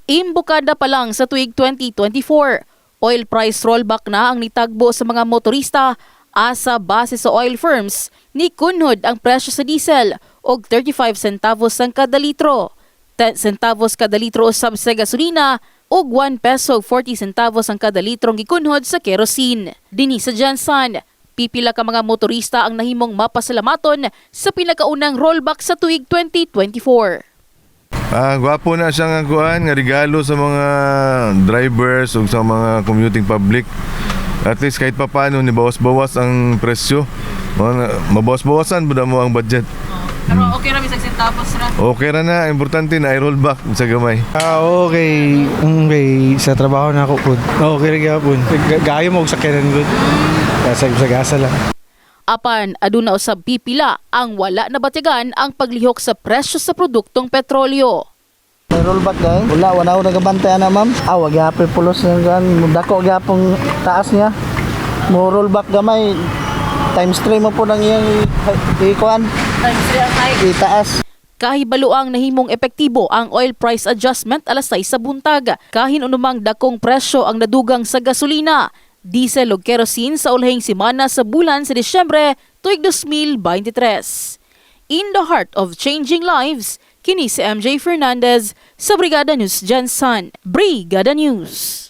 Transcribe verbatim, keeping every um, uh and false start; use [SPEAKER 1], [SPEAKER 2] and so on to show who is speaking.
[SPEAKER 1] Imbukada pa lang sa tuig twenty twenty-four, oil price rollback na ang nitagbo sa mga motorista asa base sa oil firms ni kunhod ang presyo sa diesel og thirty-five centavos ang kada litro, ten centavos kada litro usab sa gasolina ug one peso forty centavos ang kada litrong gikunhod sa kerosene. Dinhi sa Jansan, pipila ka mga motorista ang nahimong mapasalamaton sa pinakaunang rollback sa tuig twenty twenty-four.
[SPEAKER 2] Ah, gwapo na siya nga kuan nga regalo sa mga drivers ug sa mga commuting public. At least kahit papaano ni bawas-bawas ang presyo. Mabawas-bawasan buda mo ang budget.
[SPEAKER 1] Pero okay ra bisag centavos ra.
[SPEAKER 2] Okay ra na, importante na i-roll back sa gamay.
[SPEAKER 3] Ah, okay. Okay, sa trabaho na ako pud. Okay ra gyapon. Gayo mo og sakyanan gud. Sa sa gasa lang.
[SPEAKER 1] Apan aduna usab pipila ang wala nabatigan ang paglihok sa presyo sa produktong petrolyo.
[SPEAKER 4] May rollback dahil. Wala, wala ako nagabantay na ma'am. Ah, wag yapon pulos na gan. Mudako gyapong taas niya. Mo rollback gamay. Times three mo po nang iyang ikuan.
[SPEAKER 1] Times three ang hike.
[SPEAKER 4] Itaas.
[SPEAKER 1] Kahibaluang nahimong epektibo ang oil price adjustment alas sais sa buntag. Kahin unumang dakong presyo ang nadugang sa gasolina, diesel ug kerosene sa ulahing semana sa bulan sa Disyembre tuig twenty twenty-three. In the heart of changing lives, kini si M J Fernandez sa Brigada News Jansan. Brigada News.